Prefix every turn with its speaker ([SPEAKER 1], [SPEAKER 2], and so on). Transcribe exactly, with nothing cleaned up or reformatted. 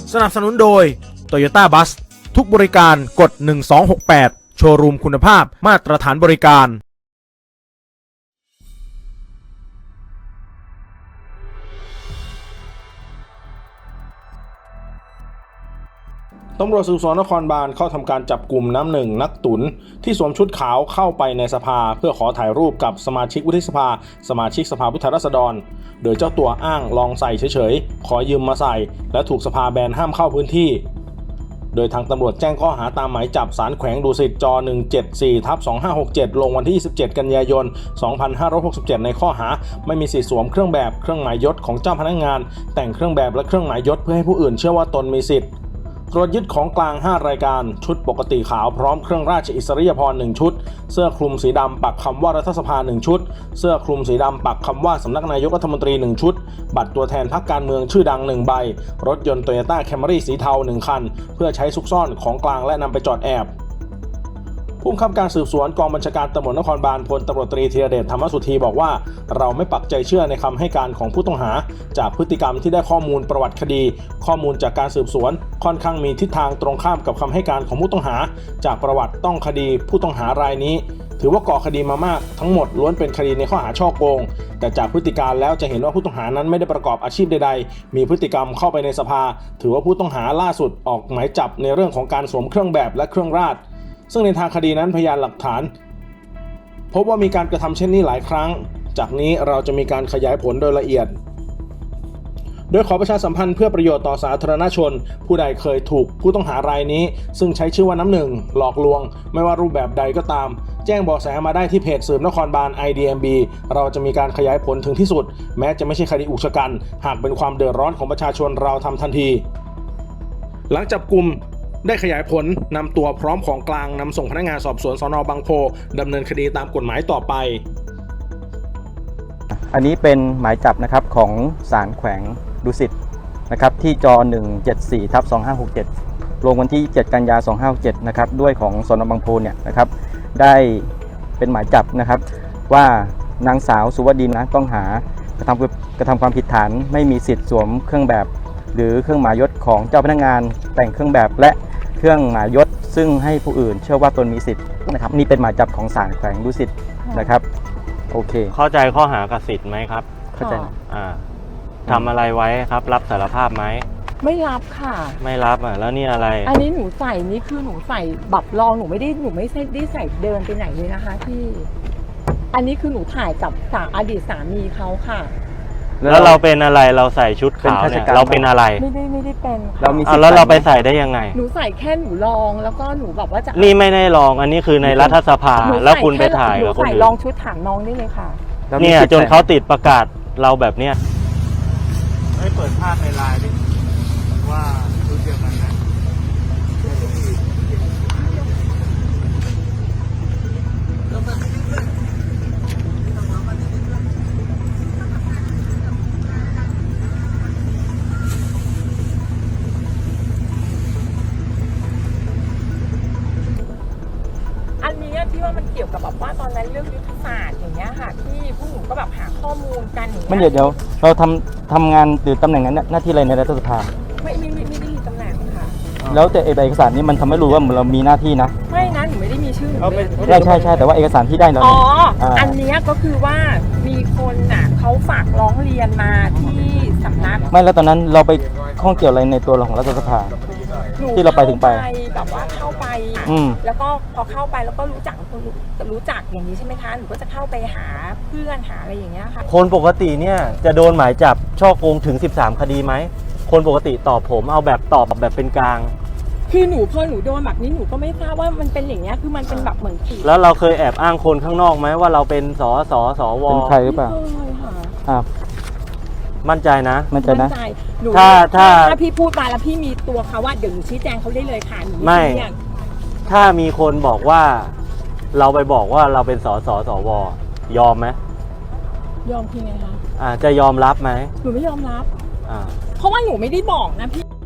[SPEAKER 1] สนับสนุนโดย Toyota Bus ทุกบริการกดหนึ่งสองหกแปดโชว์รูมคุณภาพมาตรฐานบริการ
[SPEAKER 2] ตำรวจสืบสวนนครบาลเข้าทำการจับกลุ่มน้ำหนึ่งนักตุนที่สวมชุดขาวเข้าไปในสภาเพื่อขอถ่ายรูปกับสมาชิกวุฒิสภาสมาชิกสภาผู้แทนราษฎรโดยเจ้าตัวอ้างลองใส่เฉยๆขอยืมมาใส่และถูกสภาแบนห้ามเข้าพื้นที่โดยทางตำรวจแจ้งข้อหาตามหมายจับศาลแขวงดุสิตจ หนึ่งเจ็ดสี่ทับสองห้าหกเจ็ด ลงวันที่ยี่สิบเจ็ดกันยายนสองพันห้าร้อยหกสิบเจ็ดในข้อหาไม่มีสิทธิสวมเครื่องแบบเครื่องหมายยศของเจ้าพนักงานแต่งเครื่องแบบและเครื่องหมายยศเพื่อให้ผู้อื่นเชื่อว่าตนมีสิทธิ์ตรวจยึดของกลางห้ารายการชุดปกติขาวพร้อมเครื่องราชอิสริยาภรณ์หนึ่งชุดเสื้อคลุมสีดำปักคำว่ารัฐสภาหนึ่งชุดเสื้อคลุมสีดำปักคำว่าสำนักนายกรัฐมนตรีหนึ่งชุดบัตรตัวแทนพรรคการเมืองชื่อดังหนึ่งใบรถยนต์ Toyota Camry สีเทาหนึ่งคันเพื่อใช้ซุกซ่อนของกลางและนำไปจอดแอบผู้บังคับการสืบสวนกองบัญชาการตำรวจนครบาลพลตำรวจตรีธีรเดชธรรมสุธีบอกว่าเราไม่ปักใจเชื่อในคำให้การของผู้ต้องหาจากพฤติกรรมที่ได้ข้อมูลประวัติคดีข้อมูลจากการสืบสวนค่อนข้างมีทิศทางตรงข้ามกับคำให้การของผู้ต้องหาจากประวัติต้องคดีผู้ต้องหารายนี้ถือว่าก่อคดีมามากทั้งหมดล้วนเป็นคดีในข้อหาฉ้อโกงแต่จากพฤติการแล้วจะเห็นว่าผู้ต้องหานั้นไม่ได้ประกอบอาชีพใดๆมีพฤติกรรมเข้าไปในสภาถือว่าผู้ต้องหาล่าสุดออกหมายจับในเรื่องของการสวมเครื่องแบบและเครื่องราชซึ่งในทางคดีนั้นพยานหลักฐานพบว่ามีการกระทำเช่นนี้หลายครั้งจากนี้เราจะมีการขยายผลโดยละเอียดโดยขอประชาสัมพันธ์เพื่อประโยชน์ต่อสาธารณชนผู้ใดเคยถูกผู้ต้องหารายนี้ซึ่งใช้ชื่อว่าน้ำหนึ่งหลอกลวงไม่ว่ารูปแบบใดก็ตามแจ้งเบาะแสมาได้ที่เพจสืบนครบาล ไอ ดี เอ็ม บี เราจะมีการขยายผลถึงที่สุดแม้จะไม่ใช่คดีอุกชะกันหากเป็นความเดือดร้อนของประชาชนเราทำทันทีหลังจับกุมได้ขยายผลนำตัวพร้อมของกลางนำส่งพนักงานสอบสวนสน.บางโพดำเนินคดีตามกฎหมายต่อไป
[SPEAKER 3] อันนี้เป็นหมายจับนะครับของศาลแขวงดุสิตนะครับที่จ หนึ่งเจ็ดสี่ทับสองห้าหกเจ็ด ลงวันที่เจ็ดกันยายนสองห้าหกเจ็ดนะครับด้วยของสน.บางโพเนี่ยนะครับได้เป็นหมายจับนะครับว่านางสาวสุวดีนะต้องหากระทำกระทำความผิดฐานไม่มีสิทธิ์สวมเครื่องแบบหรือเครื่องหมายยศของเจ้าพนักงานแต่งเครื่องแบบและเครื่องหมายยศซึ่งให้ผู้อื่นเชื่อว่าตนมีสิทธิ์นะครับนี่เป็นหมายจับของศาลแขวงดุสิตนะครับโอเค
[SPEAKER 4] เข้าใจข้อหากับสิทธิ์ไหมครับ
[SPEAKER 3] เข้าใจ
[SPEAKER 4] อ่าทำอะไรไว้ครับรับสารภาพไหม
[SPEAKER 5] ไม่รับค่ะ
[SPEAKER 4] ไม่รับอ่ะแล้วนี่อะไร
[SPEAKER 5] อันนี้หนูใส่นี่คือหนูใส่บับรองหนูไม่ได้หนูไม่ได้ใส่เดินไปไหนเลยนะคะพี่อันนี้คือหนูถ่ายกับสาอดีตสามีเขาค่ะ
[SPEAKER 4] แล้วเราเป็นอะไรเราใส่ชุดขาวเนี่ยเราเป็นอะไร
[SPEAKER 5] ไม่ได้ไม่ได้เป็น
[SPEAKER 4] เรามีแล้วเราไปใส่ได้ยังไง
[SPEAKER 5] หนูใส่แค่หนูลองแล้วก็หนูแบบว่าจะ
[SPEAKER 4] นี่ไม่ได้ลองอันนี้คือในรัฐสภาแล้วคุณไปถ่ายกับคนอื่น
[SPEAKER 5] ใส่ลองชุดถามน้องได้เลยค่ะ
[SPEAKER 4] เนี่ยจนเขาติดประกาศเราแบบเนี้ยให้เปิดภาพในไลน์ดิว่าชุดเดียวกันนะ
[SPEAKER 5] ที่ว่ามันเกี่ยวกับแบบว่าตอนนั้นเรื่องยุทธศาสตร์อย่างเงี้ยค่ะที่ผู้หนูก็แบบหาข้อมูลกันอย่างเงี้ย
[SPEAKER 3] ไม่เดี๋ยวเดี๋ยวเราทำทำงานหรือตำแหน่งนั้นหน้าที่อะไรในรัฐสภา
[SPEAKER 5] ไม่ไม่ไม่ไม่ได้มีตำแหน่งค่ะ
[SPEAKER 3] แล้วแต่เอกสารนี้มันทำให้รู้ว่าเรามีหน้าที่นะ
[SPEAKER 5] ไม่นะหนูไม่ได้มีชื่อ
[SPEAKER 3] ใช่ใช่ใช่แต่ว่าเอกสารที่ได้เรา
[SPEAKER 5] อ๋ออันนี้ก็คือว่ามีคนน่ะเขาฝากร้องเรียนมาที่สำนัก
[SPEAKER 3] ไม่แล้วตอนนั้นเราไปข้องเกี่ยวอะไรในตัวของรัฐสภาที่เราไปถึงไป
[SPEAKER 5] แบบว่าเข้าไปแล้วก็พอเข้าไปแล้วก็รู้จักคนรู้จักอย่างนี้ใช่ไหมคะหนูก็จะเข้าไปหาเพื่อนหาอะไรอย่างเงี้ยค่ะ
[SPEAKER 4] คนปกติเนี่ยจะโดนหมายจับฉ้อโกงถึงสิบสามคดีไหมคนปกติตอบผมเอาแบบตอบแบบเป็นกลาง
[SPEAKER 5] คือหนูพอหนูโดนแบบนี้หนูก็ไม่ทราบว่ามันเป็นอย่างเงี้ยคือมันเป็นแบบเหมือนผี
[SPEAKER 4] แล้วเราเคยแอบอ้างคนข้างนอกไหมว่าเราเป็นสสสว
[SPEAKER 3] เป็นใครหรือเปล่า
[SPEAKER 4] อ่ามั่นใจนะ
[SPEAKER 3] มั่นใจนะ
[SPEAKER 4] ถ้าถ้า
[SPEAKER 5] ถ้าพี่พูดมาแล้วพี่มีตัวเขาว่าเดี๋ยวหนูชี้แจงเขาได้เลยค่ะหนู
[SPEAKER 4] ไม่ถ้ามีคนบอกว่าเราไปบอกว่าเราเป็นสสสวยอมไหม
[SPEAKER 5] ยอมพี่ไงคะ
[SPEAKER 4] อ่าจะยอมรับไหม
[SPEAKER 5] หนูไม่ยอมรับ
[SPEAKER 4] อ่า
[SPEAKER 5] เพราะว่าหนูไม่ได้บอกนะพี่